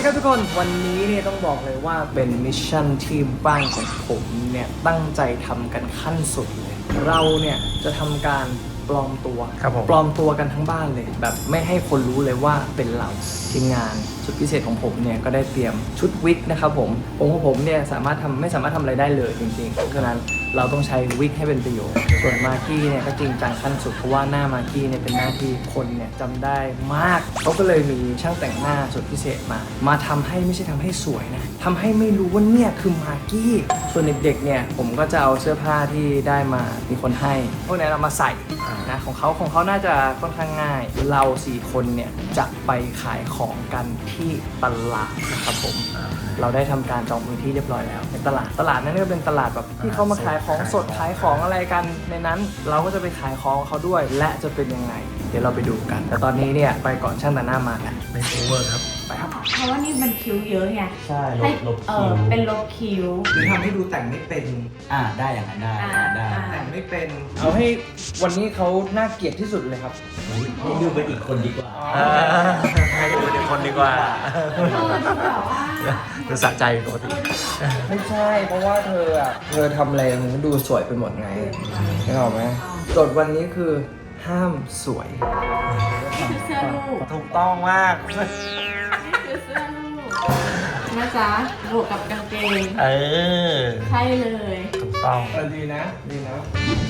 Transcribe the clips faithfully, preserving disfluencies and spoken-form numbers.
ครับทุกคนวันนี้เนี่ยต้องบอกเลยว่าเป็นมิชชั่นที่บ้านของผมเนี่ยตั้งใจทำกันขั้นสุดเลยเราเนี่ยจะทำการปลอมตัวปลอมตัวกันทั้งบ้านเลยแบบไม่ให้คนรู้เลยว่าเป็นเราทีมงานชุดพิเศษของผมเนี่ยก็ได้เตรียมชุดวิกนะครับผมองค์ของผมเนี่ยสามารถทำไม่สามารถทำอะไรได้เลยจริงๆเพราะฉะนั้นเราต้องใช้วิกให้เป็นประโยชน์ส่วนมากกี้เนี่ยก็จริงจังขั้นสุดเพราะว่าหน้ามากกี้เนี่ยเป็นหน้าที่คนเนี่ยจำได้มากเขาก็เลยมีช่างแต่งหน้าสุดพิเศษมามาทำให้ไม่ใช่ทำให้สวยนะทำให้ไม่รู้ว่าเนี่ยคือมากกี้ส่วนเด็กๆเนี่ยผมก็จะเอาเสื้อผ้าที่ได้มามีคนให้พวกนี้เรามาใส่นะของเขาของเขาน่าจะค่อนข้างง่ายเราสี่คนเนี่ยจะไปขายของกันที่ตลาดนะครับผมเราได้ทำการจองพื้นที่เรียบร้อยแล้วในตลาดตลาดนั้นก็เป็นตลาดแบบที่เขามาขายของสดขายของอะไรกันในนั้นเราก็จะไปขายของเขาด้วยและจะเป็นยังไงเดี๋ยวเราไปดูกันแต่ตอนนี้เนี่ยไปก่อนช่างแต่งหน้ามากันไม่โอเวอร์ครับไปครับเพราะว่านี่มันคิ้วเยอะไงใช่ลบลบเอคิ้อวเป็นลบคิ้วหรือทำให้ดูแต่งไม่เป็นอ่าได้อย่างนั้นได้อ่าได้อ่าแต่งไม่เป็นเอาให้วันนี้เขาน่าเกลียดที่สุดเลยครับให้ดูเป็นอีกคนดีกว่าให้ดูเป็นคนดีกว่าเออแบบว่าดูสะใจปกติไม่ใช่เพราะว่าเธออ่ะเธอทำอะไรมันก็ดูสวยไปหมดไงนึกออกไหมโจทย์วันนี้คือห้ามสวยนี่คือเสื้อลูกถูกต้องมากนี่คือเสื้อลูกนะจ๊ะบวกกับกางเกงเออใช่เลยถูกต้องเออดีนะดีนะ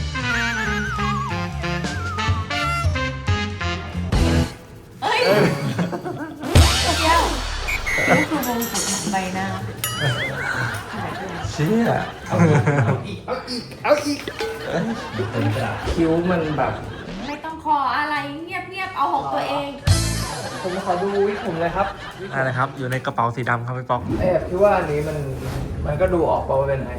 เอ้ยเที่ยวนี่คือวงกุฎของใบหน้าเชี่ยเอาอีกเอาอีกเอาอีกคิ้วมันแบบไม่ต้องขออะไรเงียบๆเอาของตัวเองผมขอดูวิกผมเลยครับอะไรครับ อยู่ในกระเป๋าสีดำครับพี่ป๊อกแอบคิดว่าอันนี้มันมันก็ดูออกว่าเป็นไง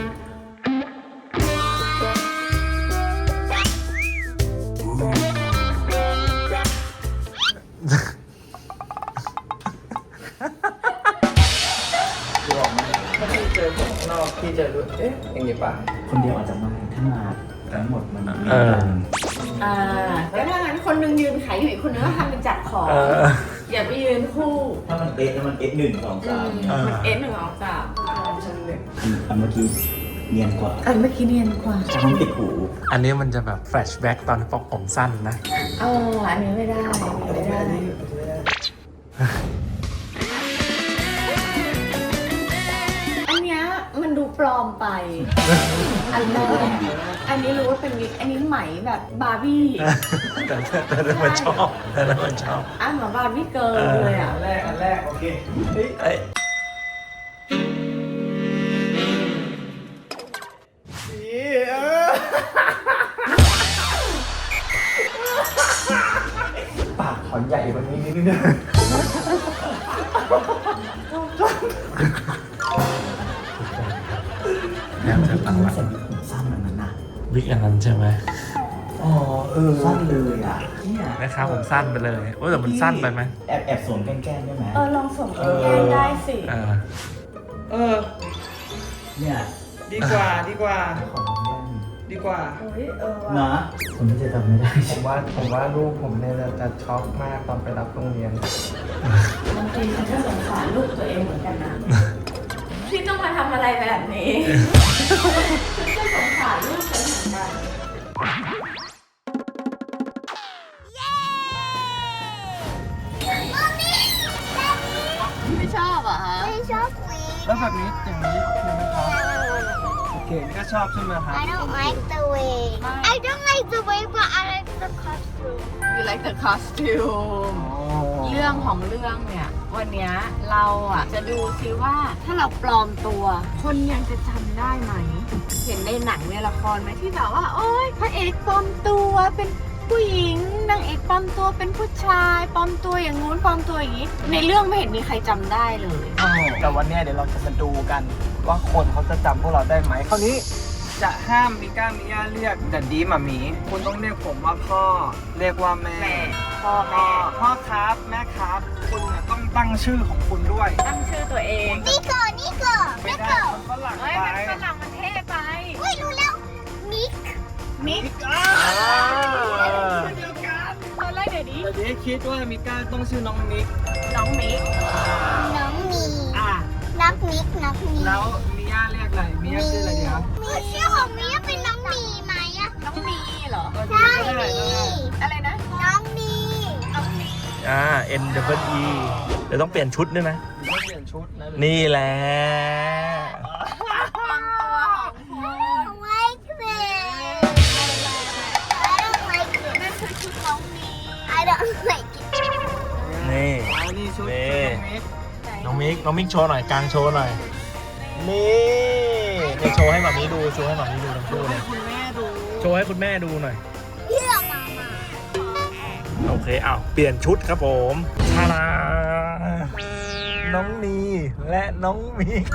ดูออกไหมถ้าพี่เจอผมข้างนอกพี่จะรู้เอ๊ะอย่างงี้ป่ะคนเดียวอาจจะไม่ถ้ามาทั้งหมดมันมีเออกันอ่าแล้วถ้างั้นคนหนึงยืนขายอยู่อีกคนนึงก็ทำเป็นจัดของเอออย่าไปยืนคู่ถ้ามันเอสแล้วมันเอสหนึ่งสองอืสามมมันเอสหนึ่งออกจากอันเมื่อกี้เนียนกว่าอันเมื่อกี้เนียนกว่าจะต้องติดหูอันนี้มันจะแบบแฟลชแบ็กตอนป๊อกผมสั้นนะเอออันนี้ไม่ได้อันนี้ไม่ได้อันเนี้ยมันดูปลอมไป อันแรกอันนี้รู้ว่าเป็นวิกอันนี้ไหมแบบบาร์บี้แต่แต่แต่มันชอบแต่แต่มันชอบอ่ะเหมือนบาร์บี้เกิร์ลเลยอ่ะอันแรกอันแรกโอเคเฮ้ยเอ้ยปากขอใหญ่กว่านี้นิดนึงแอบจะตังไม่ละใส่ผมสั้นแบบนั้นนะวิกอันนั้นใช่ไหมอ๋อเออสั้นเลยอ่ะเนี่ยนะครับผมสั้นไปเลยโอ้ยแต่มันสั้นไปไหมแอบแอบสวมแก้มๆได้ไหมเออลองส่งแก้มได้สิเออเออเนี่ยดีกว่าดีกว่าขอแก้มดีกว่าเฮ้ยเออนะว่ะคนที่จะทำไม่ได้ผมว่าผมว่าลูกผมเนี่ยจะจะช็อกมากตอนไปรับโรงเรียนบางทีฉันก็สงสารลูกตัวเองเหมือนกันนะที่ต้องมาทำอะไรแบบนี้ฉันก็สงสารลูกฉันเหมือนกัน ไม่ชอบอ่ะฮะไม่ชอบวีแล้วแบบนี้อย่างนี้ใช่ไหมครับโอเคนี่ก็ชอบใช่ไหมครับ I don't like the wig I don't like the wig but I like the costume You like the costume เรื่องของเรื่องเนี่ย วันเนี้ยเราอ่ะจะดูซิว่าถ้าเราปลอมตัว คนยังจะจำได้ไหม เห็นในหนังในละครไหมที่แบบว่า โอ๊ยพระเอกปลอมตัวเป็นผู้หญิงนางเอกปลอมตัวเป็นผู้ชายปลอมตัวอย่างงู้นปลอมตัวอย่างนี้ ในเรื่องไม่เห็นมีใครจำได้เลยแต่วันเนี้ยเดี๋ยวเราจะมาดูกันว่าคนเขาจะจำพวกเราได้ไหมคราวนี้จะห้ามมิก้ามิย่าเรียกแต่ดีหมามีคุณต้องเรียกผมว่าพ่อเรียกว่าแม่แม่พ่อพ่อแม่พ่อครับแม่ครับ คุณเนี่ยต้องตั้งชื่อของคุณด้วยตั้งชื่อตัวเองนิโก้นิโก้ไม่นิได้โก้มันฝรั่งเฮ้ยไปมันฝรั่งมันเท่ไปอุ้ยรู้แล้วมิกมิกอ้าเดียวกันตอนแรกเดี๋ยวนี้เดี๋ยวนี้คิดว่ามิก้าต้องชื่อน้องมิกน้องมิกน้องแล้วมิย่าเรียกอะไรมิย่าชื่ออะไรดีครับมีชื่อของมีเป็นน้องมีไหมอะน้องมีเหรอใช่มีอะไรนะน้องมีน้องมีอ่า N W E เดี๋ยวต้องเปลี่ยนชุดด้วยนะต้องเปลี่ยนชุดนะนี่แหละความตัวของคุณไว้เกรด I don't like it นั่นคือชุดน้องมี I don't like it นี่อ๋อนี่ชุดนี่ชุดน้องมิกน้องมิก น้องมิกโชว์หน่อยกลางโชว์หน่อย นี่นี่โชว์ให้หมามีดู โชว์ให้หมามีดูทั้งคู่เลยคุณแม่ดูโชว์ให้คุณแม่ดูหน่อยเลือกมามาโอเคอ้าวเปลี่ยนชุดครับผมชาลาน้องนีและน้องมิก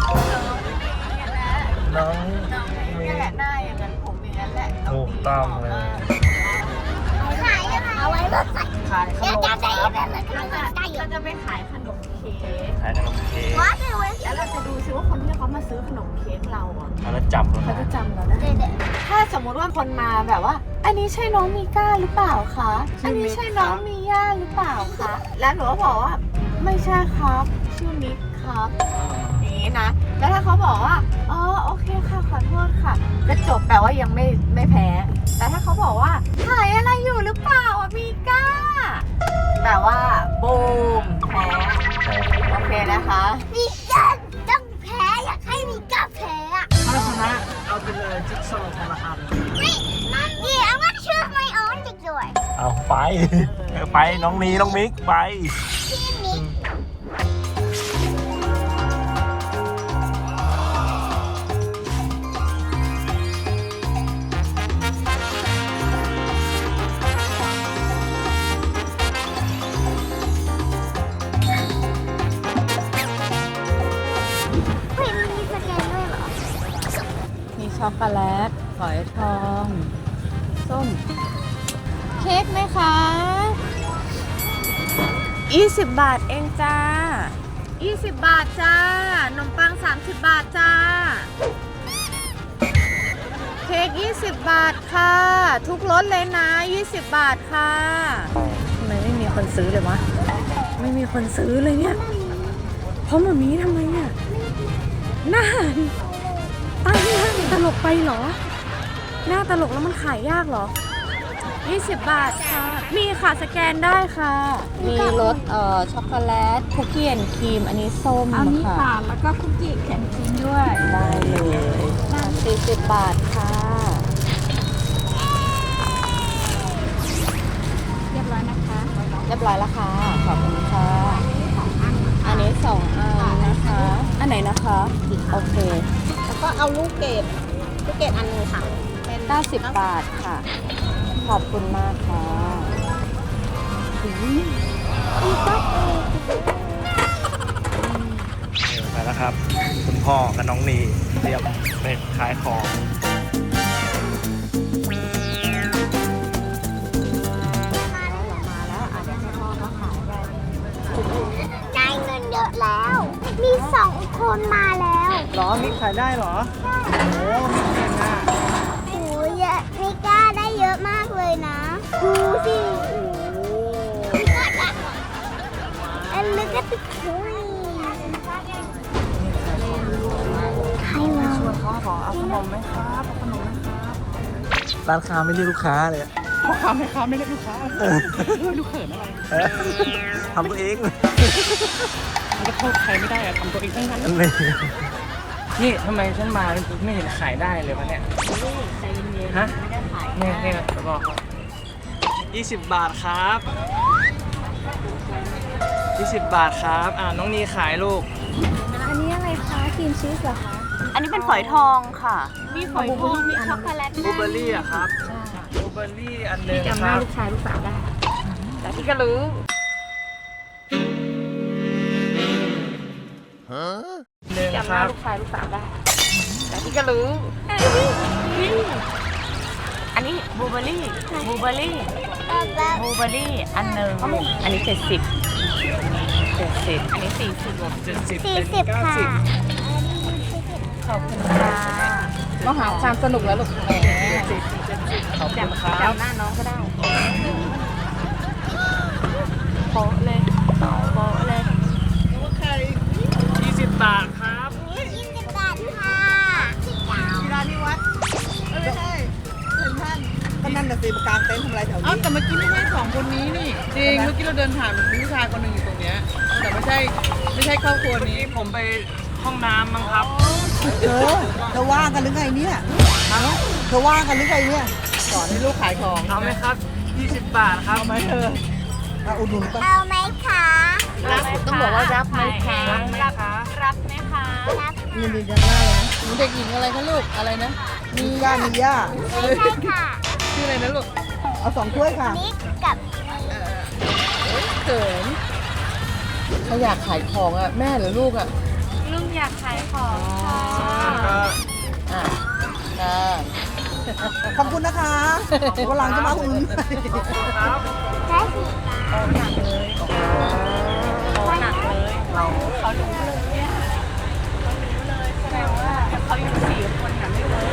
น้องน้องมีมินี่กแหละหน้าอย่างนั้นผมอย่างนั้นแหละถูกต้องเลยขายยังไงเอาไว้แบบใส่ขายขเดี๋ยนวมจะคได้รับแบบนั้นเราจะได้อยู่เราจะไปขายขนมเค้กขายขนมเค้กว่าจะไว้แล้วเราจะดูซิว่าคนที่เขามาซื้อขนมเค้กเราอ่ะแล้วจับแล้วเขาจะนะจำเราได้เด็ดถ้าสมมุติว่าคนมาแบบว่า อันนี้ใช่น้องมีก้าหรือเปล่าคะ อันนี้ใช่น้องมีย่าหรือเปล่าคะ แล้วหนูก็บอกว่าไม่ใช่ครับ ชื่อมิกครับอย่างนี้นะ แล้วถ้าเขาบอกว่า อ๋อโอเคค่ะขอโทษค่ะก็จบแปลว่ายังไม่ไม่แพ้ แต่ถ้าเขาบอกว่าขายอะไรอยู่หรือเปล่าอ่ะมีก้าแปลว่าบูมแพ้โอเคนะคะมีกันต้องแพ้อยากให้มีกับแพ้อะถ้าชนะเอาไปเลยจิ๊กซอว์คนละอันไม่นั่นดิ I'm gonna choose my own victory เอาไป ไปน้องนีน้องมิกไปที่มี เฮ้ยมันมีสแกนด้วยเหรอมีช็อกโกแลตฝอยทอง ส้ม เค้กไหมคะยี่สิบบาทเองจ้ายี่สิบบาทจ้า ขนมปังสามสิบบาทจ้า เค้กยี่สิบบาทค่ะ ทุกรสเลยนะยี่สิบบาทค่ะทำไมไม่มีคนซื้อเลยวะ ไม่มีคนซื้อเลยเนี่ย เพราะมามีทำไมเนี่ยหน้าตั้งหน้ามันตลกไปเหรอ หน้าตลกแล้วมันขายยากเหรอยี่สิบบาทค่ะ มีค่ะสแกนได้ค่ะ มีรสเอ่อช็อกโกแลตคุกกี้แอนด์ครีม อันนี้ส้มอันนี้ค่ะค่ะ แล้วก็คุกกี้แข็งจริงด้วยได้เลยสี่สิบบาทค่ะเรียบร้อยนะคะเรียบร้อยแล้วค่ะ ขอบคุณค่ะ อันนี้สองอันนะคะ อันไหนนะคะ โอเคแล้วก็เอาลูกเกดลูกเกดอันหนึงค่ะ เป็นเก้าสิบบาทค่ะ ขอบคุณมากค่ะไปแล้วครับ คุณพ่อกับน้องนีเตรียมไปขายของมาแล้วอาจจะให้พ่อเขาขายได้ได้เงินเยอะแล้ว มีสองคนมาแล้วหรอมิกขายได้เหรอ โอ้มิกเก่งอ่ะโอ้ยเยอะมิก้าได้เยอะมากเลยนะดูสิมิก้าได้ and look at the coin ใครมาชวนเขาขอเอาขนมไหมครับเอาขนมไหมครับ ร้านค้าไม่เรียกลูกค้าเลยพ่อค้าแม่ค้าไม่เรียกลูกค้าเฮ้ยลูกเขินอะไรทำตัวเองมันก็โทษใครไม่ได้อะทำตัวเองทั้งนั้นนี่นี่ทำไมฉันมาไม่เห็นขายได้เลยวะเนี่ยใจเย็นๆฮะไม่ได้ขายเนี่ยเนี่ยจะบอกยี่สิบบาทครับยี่สิบบาทครับ อ่าน้องนีขายลูกอันนี้อะไรคะครีมชีสเหรอคะอันนี้เป็นฝอยทองค่ะ มีฝอยทอง มีช็อกโกแลตบลูเบอร์รี่อะครับบลูเบอร์รี่อันหนึ่งจำหคน้ารับลูกชายลูกสาวได้แต่ที่กระลือหนึ่งจำคหน้ารับลูกชายลูกสาวได้แต่ที่กระลือ อันนี้บลูเบอร์รี่บลูเบอร์รี่แบบบลูเบอร์รี่ อันหนึ่งอันนี้เจ็ดสิบเจ็ดสิบอันนี้สี่สิบเจ็ดสิบสี่เป็นสิบเก้าค่ะสิบขอบคุณค่ะก็หาความสนุกแล้วลูกเจ็ดสิบเจ็ดสิบขอบคุณครับจำหน้าน้องก็ได้โป๊ะเลยโป๊ะเลยยี่สิบบาทครับยี่สิบบาทเดินผ่านมีผู้ชายคนหนึ่งอยู่ตรงเนี้ยแต่ไม่ใช่ไม่ใช่ครอบครัวนี้ผมไปห้องน้ำมั้งครับเธอเธอว่างกันหรือไงเนี่ยเธอว่างกันหรือไงเนี่ยสอนให้ลูกขายของเอาไหมครับ ยี่สิบบาทครับเอาไหมเธอเอาอุดหนุนปะเอาไหมคะรับต้องบอกว่ารับไหมคะรับไหมคะรับไหมคะรับยินดีจังเลยนะหนูเด็กหญิงอะไรคะลูกอะไรนะมีย่ามีย่าไม่ใช่ค่ะชื่ออะไรนะลูกเอาสองถ้วยค่ะนิกกับเขินเขาอยากขายของอ่ะแม่หรือลูกอ่ะลุงอยากขายของค่ะอ่ะค่ะขอบคุณนะคะวันหลังจะมาอุ่นนแค่สี่บาทเขาหนักเลยเราเขารู้เลยเนี่ยเขารู้เลยแสดงว่าเขาอยู่สี่คนน่ะไม่เวิร์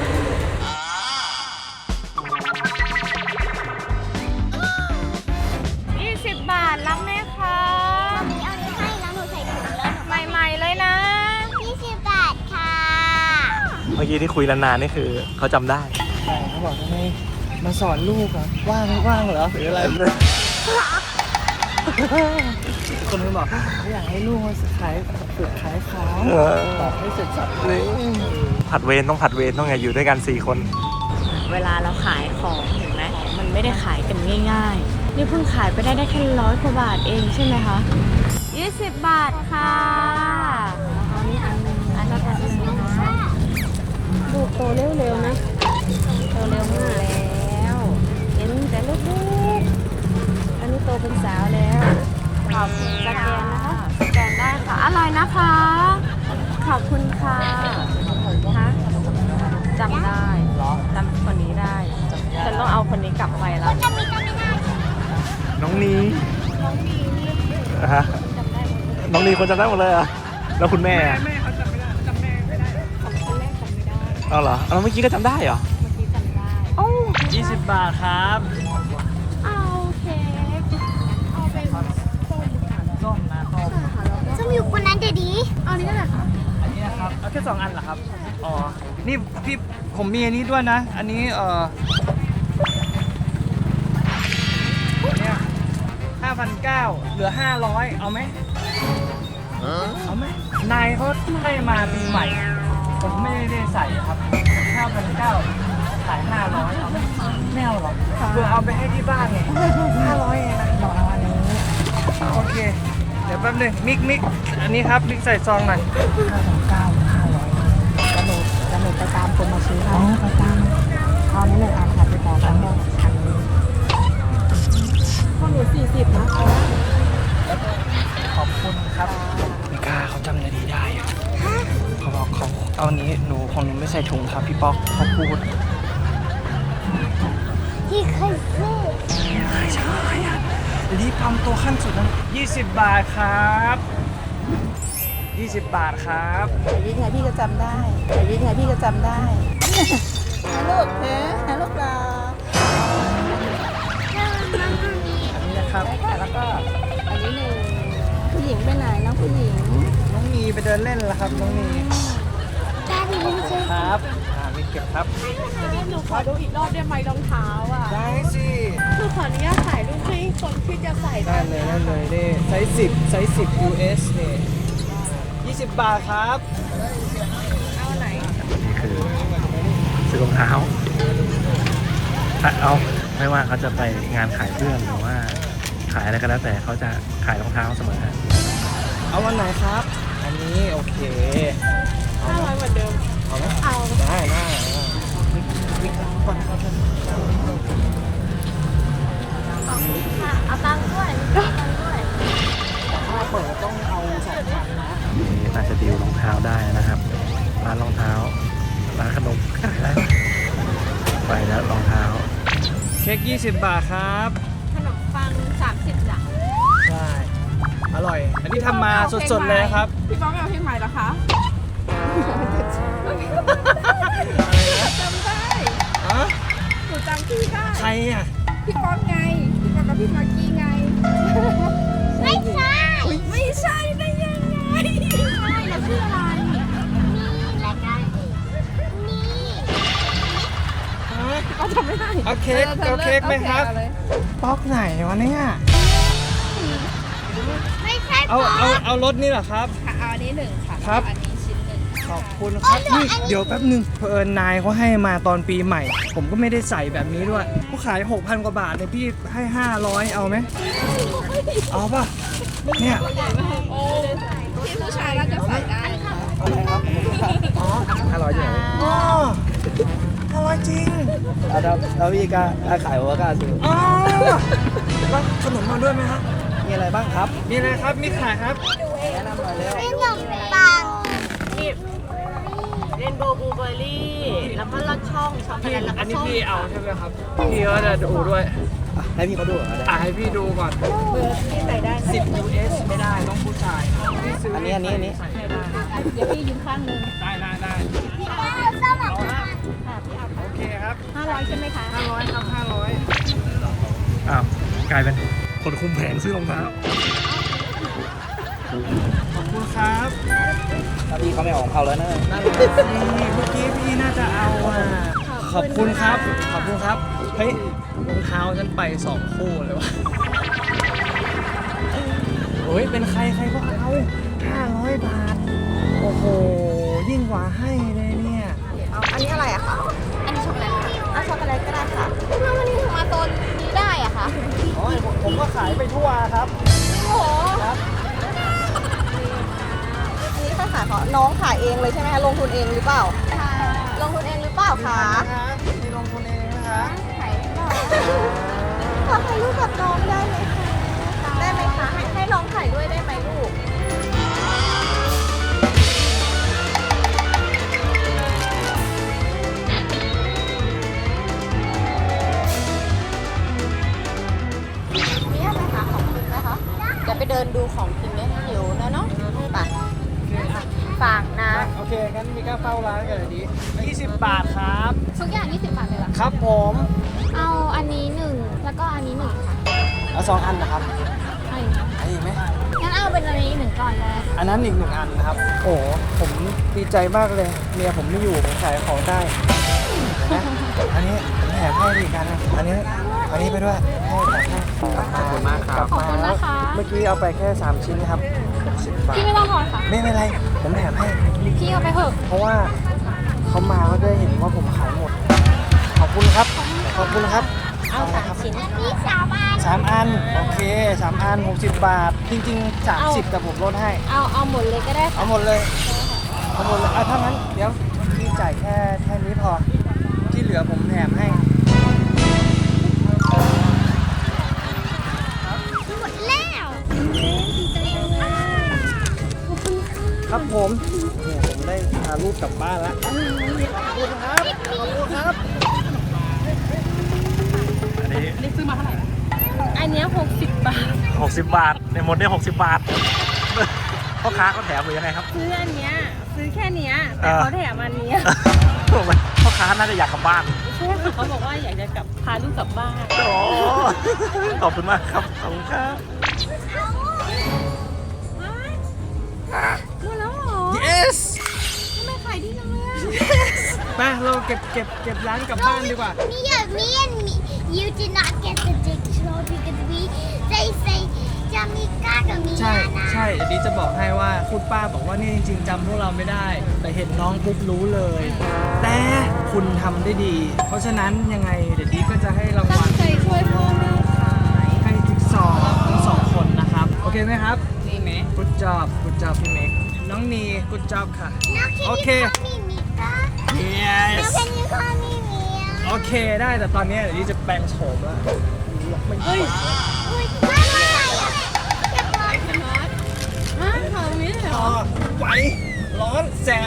กยี่สิบบาทรับไหมคะมีเอานี้ให้แล้วหนูใส่ถุงแล้วหนูใหม่ๆเลยนะยี่สิบบาทค่ะเมื่อกี้ที่คุยนานๆนี่คือเขาจำได้ใช่เขาบอกทำไมมาสอนลูกอ่ะ ว่างไม่ว่างเหรอหรืออะไร คนนึงบอกเขาอยากให้ลูกมาขายฝึกขายของเออบอกให้เสร็จสับเลยผัดเวรต้องผัดเวรต้องไงอยู่ด้วยกันสี่คนเวลาเราขายของเห็นไหมมันไม่ได้ขายกันง่ายๆ นี่เพิ่งขายไปได้ได้แค่ร้อยกว่าบาทเองใช่ไหมคะยี่สิบบาทค่ะอันนี้อันนึงอันนี้อันนึงนะลูกโตเร็วๆนะโตเร็วมากแล้วเห็นแต่เล็กๆอันนี้โตเป็นสาวแล้วขอบคุณสแกนนะคะสแกนได้ค่ะอร่อยนะคะขอบคุณค่ะคะจำได้จำคนนี้ได้ฉันต้องเอาคนนี้กลับไปแล้วจะมีจะไม่ได้น้องนีน้องนีฮะจำได้หมดเลยน้องนีคนจำได้หมดเลยเหรอ่ะแล้วคุณแม่อะแม่เขาจำไม่ได้จำแม่ไม่ได้ของคนแรกจำไม่ได้เอาเหรอเอาเมื่อกี้ก็จำได้เหรอเมื่อกี้จำได้ยี่สิบบาทครับเอาเค้กเอาเป็นส้มค่ะส้มนะส้มส้มอยู่บนนั้นเดี๋ยวดีเอานี้ก็ได้ค่ะอันนี้นะครับ เอาแค่สองอันเหรอครับ อ๋อ นี่พี่ผมมีอันนี้ด้วยนะ อันนี้เอ่อเนี่ยห้าพันเก้าเหลือห้าร้อยเอาไหมเอาไหมนายเขาให้มาปีใหม่ ผมไม่ได้ใส่ครับห้าพันเก้าขายห้าร้อยเอาไหมไม่เอาหรอกเพื่อเอาไปให้ที่บ้านไงห้าร้อยเองนะลองเอาอันนี้โอเค เดี๋ยวแป๊บหนึงมิกมิกอันนี้ครับมิกใส่ซองหน่อยห้าพันเก้าห้าร้อยจะหนูจะหนูไปตามคนมาซื้อให้ไปตามเอานี้หนึ่งอันค่ะไปตามอันนี้อันนี้ข้าวหนูสี่สิบนะคะขอบคุณครับไม่กล้าเขาจำนาดีได้อะเขาบอกเขาเอาอันนี้หนูของหนูไม่ใส่ถุงครับพี่ป๊อกเขาพูดที่เคยซื้อใช่ใช่อะรีบทำตัวขั้นสุดนะยี่สิบบาทครับยี่สิบบาทครับแต่ยิ่งไงพี่ก็จำได้แต่ยิ่งไงพี่ก็จำได้ลูกเฮ้ลูกเราอันนี้นะครับได้ค่ะแล้วก็อันนี้หนึ่งผู้หญิงไปไหนน้องผู้หญิงน้องนีไปเดินเล่นแล้วครับน้องนีตาดีไม่ใช่ครับอ่ามีเก็บครับหนูขอดูอีกรอบได้ไหมรองเท้าอ่ะได้สิคือขออนุญาตถ่ายรูปให้คนที่จะใส่ได้เลยได้เลยนี่ไซส์สิบไซส์สิบ ยู เอส นี่ยี่สิบบาทครับเอาไหนนี่คือซื้อรองเท้าถ้าเอาไม่ว่าเขาจะไปงานขายเสื้อหรือว่าขายอะไรก็แล้วแต่เขาจะขายรองเท้าเสมอเอาวันไหนครับ อันนี้โอเคห้าร้อยเหมือนเดิมเอาไหมเอาได้ได้มิกมิกก่อนครับเอาตังค์ด้วยเอาตังค์ด้วยถ้าเปิดต้องเอาสองพันนะนี่น่าจะดีลรองเท้าได้นะครับ ร้านรองเท้า ร้านขนมขายได้ไหมไปแล้วรองเท้าเค้กยี่สิบบาทครับขนมปังสามสิบจ้ะใช่ อร่อย อันนี้ทำมาสดๆเลยครับพี่ป๊อกไม่เอาเพลงใหม่เหรอคะ จำได้อะหนูจำชื่อได้ใครอ่ะพี่ป๊อกไง พี่ป๊อกกับพี่มากกี้ไงไม่ใช่ไม่ใช่ได้ยังไงใช่เราชื่ออะไรนี่และกันนี่พี่ป๊อกจำไม่ได้เอาเค้กเอาเค้กไหมครับอาเลยป๊อกไหนวะเนี่ยนเอาเอาเอารถนี่เหรอครับค่ะเอาอันนี้หนึ่งค่ะครับอันนี้ชิ้นหนึ่งขอบคุณครับนี่เดี๋ยวแป๊บนึงเผอิญนายเขาให้มาตอนปีใหม่ ผมก็ไม่ได้ใส่แบบนี้ด้วยเขาขาย หกพัน กว่าบาทเนี่ยพี่ให้ ห้าร้อย เอาไหมเอาป่ะเนี่ยที่ผู้ชายก็จะใส่ได้ค่ะอะไรครับอ๋อห้าร้อยจริงอ๋อห้าร้อยจริงแล้วแล้วพี่ก็ขายโอวาก้าซื้ออ๋อแล้วขนมมาด้วยไหมครับมีอะไรบ้างครับมีอะไรครับมีขายครับแนะนำหน่อยเร็วขนมปังนี่เรนโบว์บลูเบอร์รี่ แล้วก็ลอดช่องช็อกโกพี่แลตแล้วอัก็นนี้ส้มพี่เอาใช่ไหมครับพี่ก็จะดูด้วยอ่ะให้พี่เขาดูเหรอได้อ่ะให้พี่ดูก่อนเบอร์ที่ใส่ได้สิบ ยู เอส ไม่ได้ต้องผู้ชายพี่ซื้อันนี้อันนี้อันนี้ใส่ไม่ได้เดี๋ยวพี่ยืมข้างหนึงได้ได้ได้สมัครค่ะพี่เอาโอเคครับห้าร้อยใช่ไหมคะห้าร้อยครับห้าร้อยอ้าวกลายเป็นคนคุมแผงซื้อรองเท้าขอบคุณครับถ้าพี่เขาไม่ออกของเขาแล้วนะนั่นแหละนี่เมื่อกี้พี่น่าจะเอาอ่ะขอบคุณครับ ขอบคุณครับ เฮ้ยรองเท้าฉันไปสองคู่เลยวะโอ้ยเป็นใครใครก็เอาห้าร้อยบาท โอ้โห ยิ่งกว่าให้เลยเนี่ยเอาอันนี้อะไรอะคะอันนี้ช็อกโกแลตเอาช็อกโกแลตก็ได้ค่ะทำไมวันนี้ถึงมาโซนนี้ได้อะคะโอ้ยผมผมก็ขายไปทั่วครับโอ้โหครับอันนี้ค่าขายของน้องขายเองเลยใช่ไหมคะ ลงทุนเองหรือเปล่า ลงทุนเองหรือเปล่าคะนะครับมีลงทุนเองนะคะขอถ่ายรูปกับน้องได้ไหมคะ ได้ไหมคะ ให้ให้น้องถ่ายด้วยได้ไหมลูก มีอะไรคะของกินไหมคะเดี๋ยวไปเดินดูของกินไหมหิวนะเนาะไปฝากนะโอเคงั้นมีก้าเฝ้าร้านกันเลยดียี่สิบบาทครับทุกอย่างยี่สิบบาทเลยเหรอครับผมเอาอันนี้หนึ่งแล้วก็อันนี้หนึ่งค่ะเอาสองอันนะครับเอาอันนี้ไหมงั้นเอาเป็นอันนี้หนึ่งก่อนเลยอันนั้นอีกหนึ่งอันนะครับ โอ้โหผมดีใจมากเลย เมียผมไม่อยู่ ผมขายของได้นะอันนี้ผมแถมให้อีกอันนะอันนี้ อันนี้ไปด้วยให้แถมให้ขอบคุณมากครับขอบคุณนะคะเมื่อกี้เอาไปแค่สามชิ้นครับสิบบาทพี่ไม่ต้องถอนค่ะไม่เป็นไร ผมแถมให้พี่เอาไปเถอะเพราะว่าเขามาก็ได้เห็นว่าผมขายหมด ขอบคุณครับ ขอบคุณครับเอาสามชิ้นพี่สาวบ้านสามอัน โอเคสามอันหกสิบบาท จริงๆสามสิบแต่ผมลดให้เอาเอาหมดเลยก็ได้ค่ะเอาหมดเลย เอาหมดเลยอ่ะถ้างั้นเดี๋ยวพี่จ่ายแค่แค่นี้พอ ที่เหลือผมแถมให้หมดแล้วครับผมเนี่ยผมได้พาลูกกลับบ้านแล้วขอบคุณครับ ขอบคุณครับอันนี้อันเนี้หกสิบบาทหกสิบบาทในหมดได้หกสิบบาท พ่อค้าเขาแถมหรือยังไงครับซื้ออันเนี้ยซื้อแค่เนี้ยเอแต่อเขาแถมอันเนี้ยพ่อค้าน่าจะอยากกลับบ้านใช่ค่ะเขาบอกว่าอยากจะกลับพาลูกกลับบ้านโอ้ขอบคุณมากครับ ขอบคุณครับหมดแล้วเหรอ yes ทำไมขายดีจังเลยอะไปเราเก็บเก็บเก็บร้านกลับบ้านดีกว่า Me, me and me, you did not get the dictionary because we, they say, Jamika กับมีใช่นาใช่เดี๋ยวนี้จะบอกให้ว่าคุณป้าบอกว่านี่จริงๆจำพวกเราไม่ได้ แต่เห็นน้องปุ๊บรู้เลย แต่คุณทำได้ดี เพราะฉะนั้นยังไงเดี๋ยวนี้ก็จะให้รางตั้วังลใจช่วยพ่อแม่ขายให้จิ๊กซอว์ทั้งสองคนนะครับ โอเคไหมครับดีไหม good job good job พี่เมกน้องนี good job ค่ะ Now can โอ you เค call me Mika? yes Now can you call me Mia? โอเคได้แต่ตอนนี้เดี๋ยวนี้จะแปลงโฉมแล้วไม่ไหวอุ๊ยไม่ไม่ไม่เก็บร้อนฮะขายตรงนี้เลยเหรอ๋ออไหวร้อนแสบ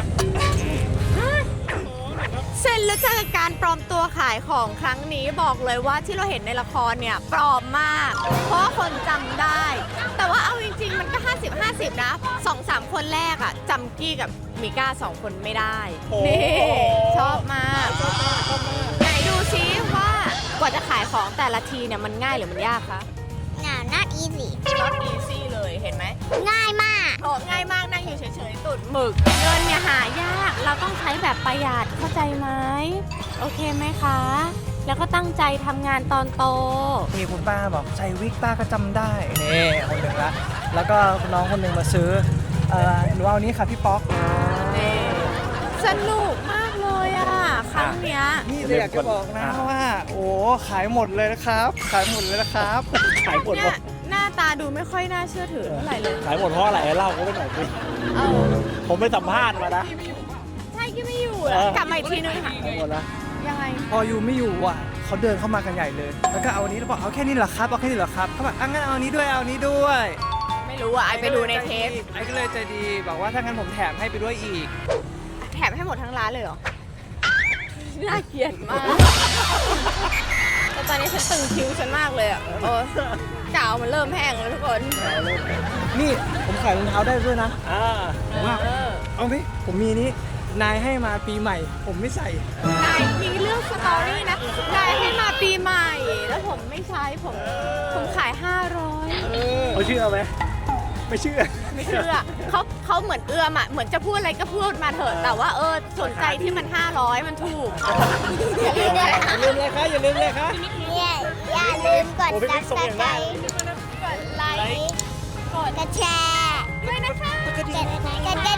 เซ็นแล้วเจอการปลอมตัวขายของครั้งนี้บอกเลยว่าที่เราเห็นในละครเนี่ยปลอมมาก เพราะว่าคนจำได้ แต่ว่าเอาจริงๆมันก็ ห้าสิบ ห้าสิบ นะ สองสาม คนแรกอะจำกี้กับมิก้าสองคนไม่ได้ นี่ ชอบมากไหนดูซิว่ากว่าจะขายของแต่ละทีเนี่ยมันง่ายหรือมันยากคะ No not easy not easy เลยเห็นไหมง่ายมากโอ้ง่ายมากนั่งอยู่เฉยๆตุดหมึก เงินเนี่ยหายาก เราต้องใช้แบบประหยัดเข้าใจไหมโอเคไหมคะ แล้วก็ตั้งใจทำงานตอนโตมีคุณป้าบอกใส่วิกป้าก็จำได้นี่คนหนึ่งละแล้วก็น้องคนหนึ่งมาซื้อเอ่อหนูเอานี้ค่ะพี่ป๊อกนี่สนุกมากเลยอ่ะ ครั้งเนี้ยนี่เลยอยากจะบอกนะว่า โอ้ขายหมดเลยนะครับ ขายหมดเลยนะครับขายหมดเนี่หมยดหน้าตาดูไม่ค่อยน่าเชื่อถือเท่าไหร่เลยขายหมดเพราะอะไรเล่าเขาไปหน่อยสิเออผมไปสัมภาษณ์มานะใช่ที่ไม่อยู่อะเออกลับมาอีกทีนึงค่ะขายหมดแล้วยังไงพอยูไม่อยู่อ่ะเขาเดินเข้ามากันใหญ่เลย แล้วก็เอาอันนี้แล้วบอกเอาแค่นี้เหรอครับเอาแค่นี้เหรอครับเขาบอกอ่ะงั้นเอาอันนี้ด้วยเอาอันนี้ด้วยไม่รู้อ่ะไอไปดูในเทปไอ้ก็เลยใจดีบอกว่าถ้างั้นผมแถมให้ไปด้วยอีกแถมให้หมดทั้งร้านเลยเหรอ น่าเกลียดมาก แต่ตอนนี้ฉันตึงคิ้วฉันมากเลยอ่ะเออกาวมันเริ่มแห้งแล้วทุกคนนี่ผมขายรองเท้าได้ด้วยนะอ่าว่าเออเอาไหมผมมีนี้นายให้มาปีใหม่ ผมไม่ใส่นายมีเรื่องสตอรี่นะ นายให้มาปีใหม่ แล้วผมไม่ใช้ผม ผมขาย ห้าร้อยเขาเชื่อไหมไม่เชื่อไม่เชื่อเขาเขาเหมือนเอื้อมอ่ะ เหมือนจะพูดอะไรก็พูดมาเถอะ แต่ว่าเออสนใจที่มัน ห้าร้อย มันถูกอย่าลืมเลยครับอย่าลืมเลยครับเนี่ยอย่าลืมกดโอ้พี่ซับิ๊บกสส่งอย่างไครได้ต์กดไลค์กดแชร์ด้วยนะคะกดกระ